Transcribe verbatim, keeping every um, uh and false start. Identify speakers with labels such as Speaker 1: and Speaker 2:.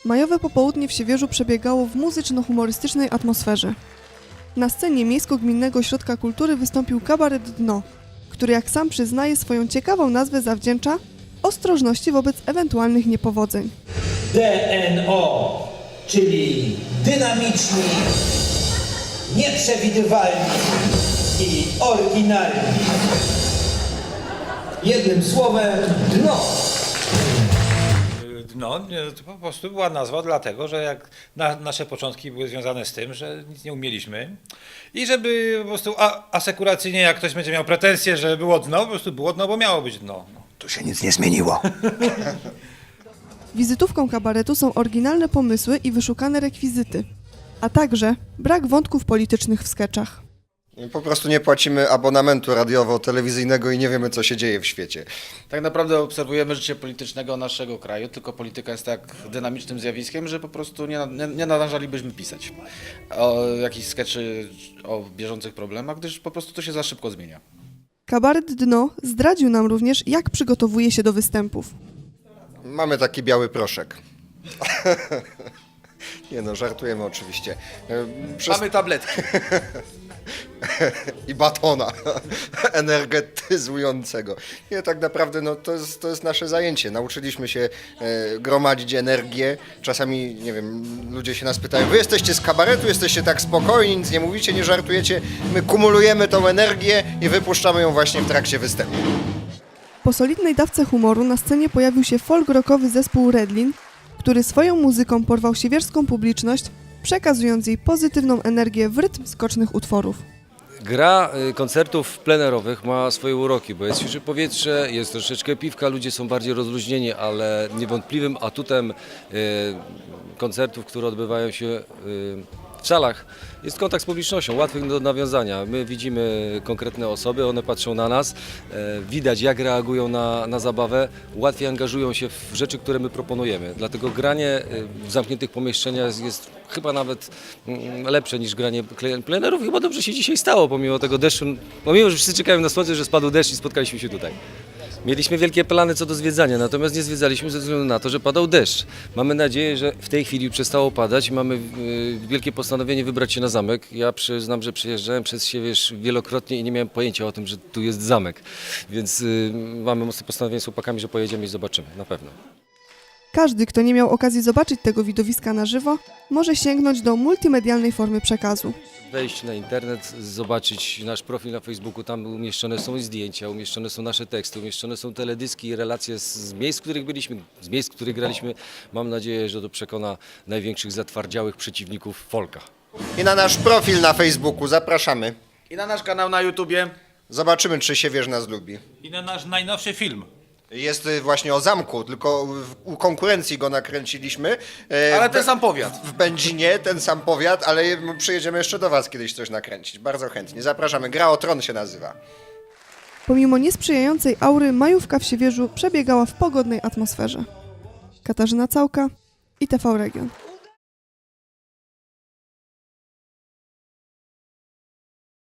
Speaker 1: Majowe popołudnie w Siewierzu przebiegało w muzyczno-humorystycznej atmosferze. Na scenie Miejsko-Gminnego Ośrodka Kultury wystąpił kabaret Dno, który, jak sam przyznaje, swoją ciekawą nazwę zawdzięcza ostrożności wobec ewentualnych niepowodzeń.
Speaker 2: D N O, czyli dynamiczni, nieprzewidywalni i oryginalni. Jednym słowem, dno.
Speaker 3: No, to po prostu była nazwa dlatego, że jak na, nasze początki były związane z tym, że nic nie umieliśmy i żeby po prostu a, asekuracyjnie, jak ktoś będzie miał pretensje, że było dno, po prostu było dno, bo miało być dno.
Speaker 4: Tu się nic nie zmieniło.
Speaker 1: Wizytówką kabaretu są oryginalne pomysły i wyszukane rekwizyty, a także brak wątków politycznych w skeczach.
Speaker 4: Po prostu nie płacimy abonamentu radiowo-telewizyjnego i nie wiemy, co się dzieje w świecie.
Speaker 5: Tak naprawdę obserwujemy życie politycznego naszego kraju, tylko polityka jest tak dynamicznym zjawiskiem, że po prostu nie, nie, nie nadążalibyśmy pisać o jakichś skeczy o bieżących problemach, gdyż po prostu to się za szybko zmienia.
Speaker 1: Kabaret Dno zdradził nam również, jak przygotowuje się do występów.
Speaker 4: Mamy taki biały proszek. Nie no, żartujemy oczywiście. Przez...
Speaker 5: Mamy tabletki.
Speaker 4: I batona energetyzującego. Nie, tak naprawdę no, to, jest, to jest nasze zajęcie. Nauczyliśmy się e, gromadzić energię. Czasami, nie wiem, ludzie się nas pytają, wy jesteście z kabaretu, jesteście tak spokojni, nic nie mówicie, nie żartujecie. My kumulujemy tą energię i wypuszczamy ją właśnie w trakcie występu.
Speaker 1: Po solidnej dawce humoru na scenie pojawił się folk-rockowy zespół Redlin, który swoją muzyką porwał siewierską publiczność, przekazując jej pozytywną energię w rytm skocznych utworów.
Speaker 6: Gra koncertów plenerowych ma swoje uroki, bo jest świeże powietrze, jest troszeczkę piwka, ludzie są bardziej rozluźnieni, ale niewątpliwym atutem koncertów, które odbywają się w salach, jest kontakt z publicznością, łatwy do nawiązania. My widzimy konkretne osoby, one patrzą na nas, widać jak reagują na, na zabawę, łatwiej angażują się w rzeczy, które my proponujemy. Dlatego granie w zamkniętych pomieszczeniach jest, jest chyba nawet lepsze niż granie plenerów. Chyba dobrze się dzisiaj stało, pomimo tego deszczu, pomimo, że wszyscy czekają na słońce, że spadł deszcz i spotkaliśmy się tutaj. Mieliśmy wielkie plany co do zwiedzania, natomiast nie zwiedzaliśmy ze względu na to, że padał deszcz. Mamy nadzieję, że w tej chwili przestało padać i mamy wielkie postanowienie wybrać się na zamek. Ja przyznam, że przyjeżdżałem przez Siewierz wielokrotnie i nie miałem pojęcia o tym, że tu jest zamek. Więc mamy mocne postanowienie z chłopakami, że pojedziemy i zobaczymy, na pewno.
Speaker 1: Każdy, kto nie miał okazji zobaczyć tego widowiska na żywo, może sięgnąć do multimedialnej formy przekazu.
Speaker 6: Wejść na internet, zobaczyć nasz profil na Facebooku, tam umieszczone są zdjęcia, umieszczone są nasze teksty, umieszczone są teledyski i relacje z, z miejsc, w których byliśmy, z miejsc, w których graliśmy. Mam nadzieję, że to przekona największych zatwardziałych przeciwników folka.
Speaker 4: I na nasz profil na Facebooku zapraszamy.
Speaker 5: I na nasz kanał na YouTubie.
Speaker 4: Zobaczymy, czy Siewierz nas lubi.
Speaker 3: I na nasz najnowszy film.
Speaker 4: Jest właśnie o zamku, tylko w, u konkurencji go nakręciliśmy.
Speaker 5: Ale
Speaker 4: w,
Speaker 5: ten sam powiat.
Speaker 4: W Będzinie, ten sam powiat, ale przyjedziemy jeszcze do was kiedyś coś nakręcić. Bardzo chętnie. Zapraszamy. Gra o Tron się nazywa.
Speaker 1: Pomimo niesprzyjającej aury, majówka w Siewierzu przebiegała w pogodnej atmosferze. Katarzyna Całka, I T V Region.